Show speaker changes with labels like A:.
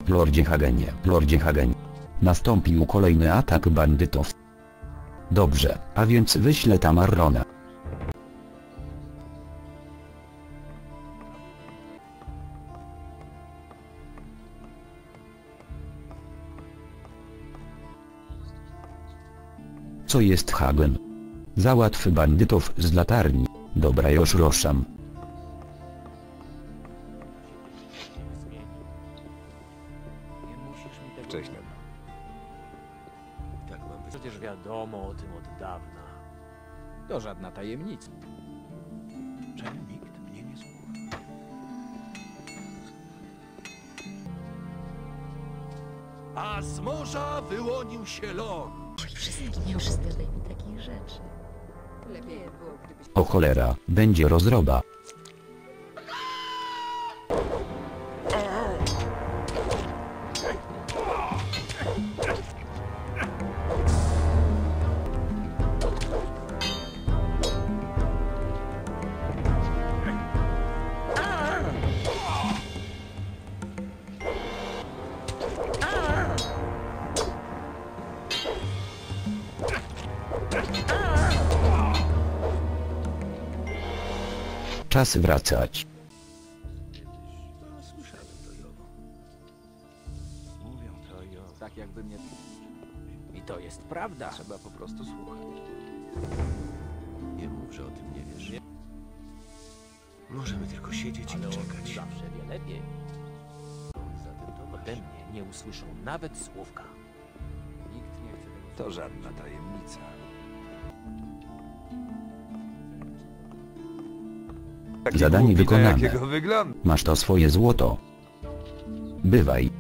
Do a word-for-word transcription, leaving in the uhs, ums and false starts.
A: Lordzie Hagenie, Lordzie Hagen. Nastąpił kolejny atak bandytów. Dobrze, a więc wyślę tam Arrona. Co jest Hagen? Załatw bandytów z latarni. Dobra, już ruszam.
B: Wcześniej.
C: Tak mam być. Przecież wiadomo o tym od dawna.
B: To żadna tajemnica.
C: Czemu nikt mnie nie słucha? A z morza wyłonił się ląd.
D: Wszystkim nie uszczędzaj mi takich rzeczy. Lepiej było, gdybyś...
A: O cholera, będzie rozroba. Czas wracać.
C: Słyszałem to Jowo. Mówią to Jowo.
B: Tak jakby mnie...
C: I to jest prawda.
B: Trzeba po prostu słuchać.
C: Nie mów, że o tym nie wiesz. Możemy tylko siedzieć i czekać.
E: Zawsze wie lepiej.
C: Zatem to
E: Ode mnie nie usłyszą nawet słówka.
B: Nikt nie chce tego...
C: To żadna tajemnica.
A: Zadanie wykonane.
B: Jakiego wygląda?
A: Masz to swoje złoto. Bywaj.